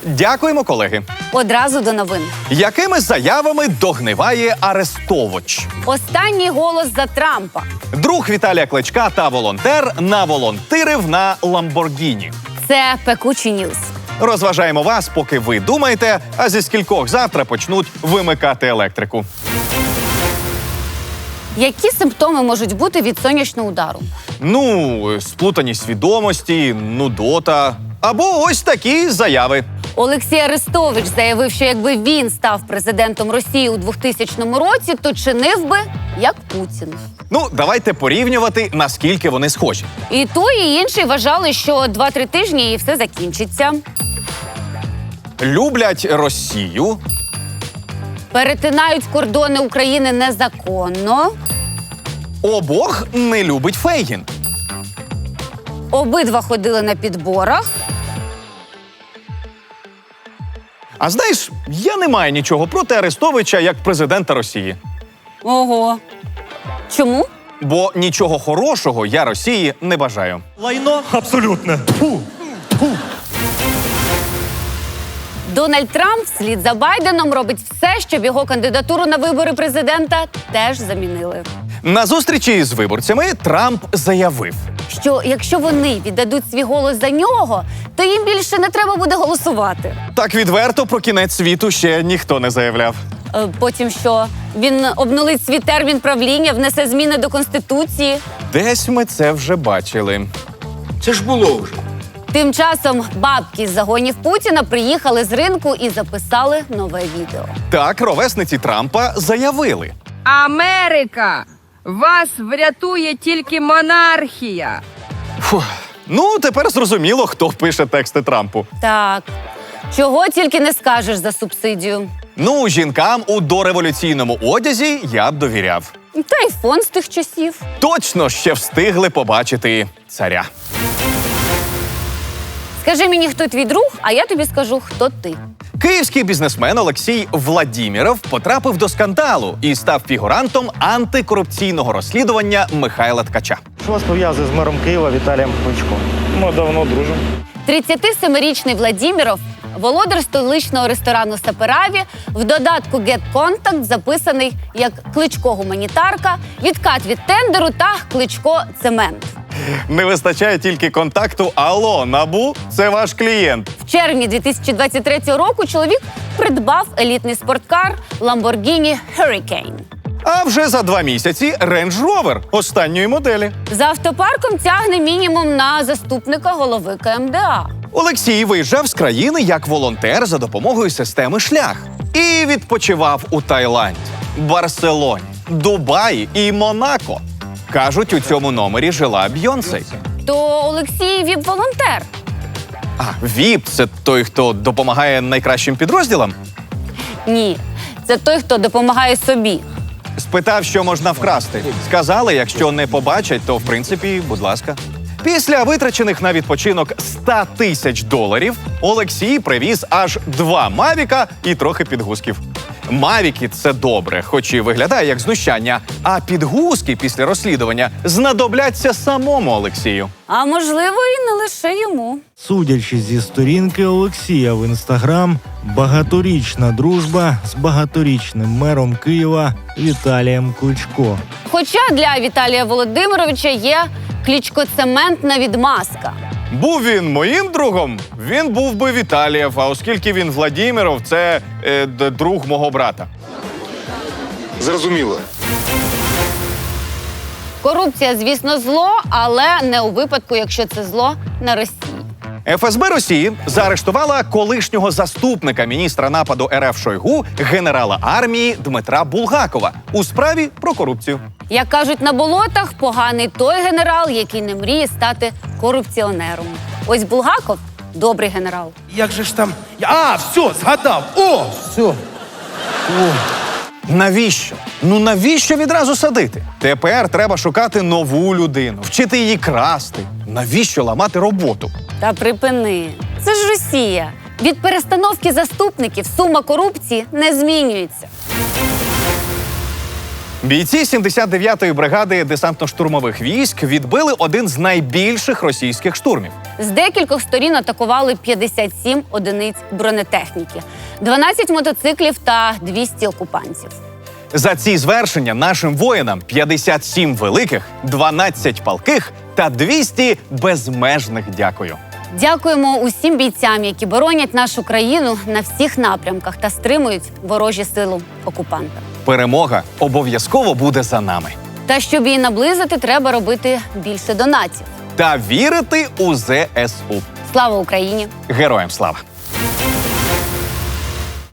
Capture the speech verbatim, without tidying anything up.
Дякуємо, колеги. Одразу до новин. Якими заявами догниває Арестович? Останній голос за Трампа. Друг Віталія Кличка та волонтер наволонтирив на Ламборгіні. Це пекучі ньюс. Розважаємо вас, поки ви думаєте, а зі скількох завтра почнуть вимикати електрику. Які симптоми можуть бути від сонячного удару? Ну, сплутаність свідомості, нудота. Або ось такі заяви. Олексій Арестович заявив, що якби він став президентом Росії у двохтисячному році, то чинив би як Путін. Ну, давайте порівнювати, наскільки вони схожі. І той, і інший вважали, що два-три тижні і все закінчиться. Люблять Росію. Перетинають кордони України незаконно. Обох не любить Фейгін. Обидва ходили на підборах. А знаєш, я не маю нічого проти Арестовича як президента Росії. Ого. Чому? Бо нічого хорошого я Росії не бажаю. Лайно абсолютно. Фу. Фу. Дональд Трамп вслід за Байденом робить все, щоб його кандидатуру на вибори президента теж замінили. На зустрічі з виборцями Трамп заявив. Що якщо вони віддадуть свій голос за нього, то їм більше не треба буде голосувати. Так відверто про кінець світу ще ніхто не заявляв. Е, Потім що? Він обнулить свій термін правління, внесе зміни до Конституції. Десь ми це вже бачили. Це ж було вже. Тим часом бабки з загонів Путіна приїхали з ринку і записали нове відео. Так, ровесниці Трампа заявили. Америка! Вас врятує тільки монархія. Фух. Ну, тепер зрозуміло, хто пише тексти Трампу. Так, чого тільки не скажеш за субсидію. Ну, жінкам у дореволюційному одязі я б довіряв. Та й фон з тих часів. Точно ще встигли побачити царя. Скажи мені, хто твій друг, а я тобі скажу, хто ти. Київський бізнесмен Олексій Владіміров потрапив до скандалу і став фігурантом антикорупційного розслідування Михайла Ткача. Що вас пов'язує з мером Києва Віталієм Кличком? Ми давно дружимо. тридцятисемирічний Владіміров, володар столичного ресторану «Сапераві», в додатку Get Contact записаний як Кличко-гуманітарка, відкат від тендеру та Кличко-цемент. Не вистачає тільки контакту «Алло, НАБУ, це ваш клієнт». В червні дві тисячі двадцять третього року чоловік придбав елітний спорткар Lamborghini Hurricane. А вже за два місяці Range Rover останньої моделі. За автопарком тягне мінімум на заступника голови Ка Ем Де А. Олексій виїжджав з країни як волонтер за допомогою системи «Шлях». І відпочивав у Таїланді, Барселоні, Дубаї і Монако. Кажуть, у цьому номері жила Бйонсе. То Олексій віп-волонтер. А, віп – це той, хто допомагає найкращим підрозділам? Ні, це той, хто допомагає собі. Спитав, що можна вкрасти. Сказали, якщо не побачать, то, в принципі, будь ласка. Після витрачених на відпочинок ста тисяч доларів Олексій привіз аж два «Мавіка» і трохи підгузків. «Мавіки» – це добре, хоч і виглядає як знущання, а підгузки після розслідування знадобляться самому Олексію. А можливо, і не лише йому. Судячи зі сторінки Олексія в інстаграм, багаторічна дружба з багаторічним мером Києва Віталієм Кличко. Хоча для Віталія Володимировича є Кличко-цементна відмазка. Був він моїм другом, він був би Віталієв, а оскільки він Владіміров, це е, д- друг мого брата. Зрозуміло. Корупція, звісно, зло, але не у випадку, якщо це зло на Росії. Еф Ес Бе Росії заарештувала колишнього заступника міністра нападу Ер Еф Шойгу, генерала армії Дмитра Булгакова у справі про корупцію. Як кажуть на болотах, поганий той генерал, який не мріє стати корупціонером. Ось Булгаков – добрий генерал. Як же ж там. А, все, згадав. О, все. Навіщо? Ну навіщо відразу садити? Тепер треба шукати нову людину, вчити її красти. Навіщо ламати роботу? Та припини. Це ж Росія. Від перестановки заступників сума корупції не змінюється. Бійці сімдесят дев'ятої бригади десантно-штурмових військ відбили один з найбільших російських штурмів. З декількох сторін атакували п'ятдесят сім одиниць бронетехніки, дванадцять мотоциклів та двісті окупантів. За ці звершення нашим воїнам п'ятдесят сім великих, дванадцять палких та двісті безмежних дякую. Дякуємо усім бійцям, які боронять нашу країну на всіх напрямках та стримують ворожі сили окупанта. Перемога обов'язково буде за нами. Та щоб її наблизити, треба робити більше донатів. Та вірити у зе ес у. Слава Україні! Героям слава!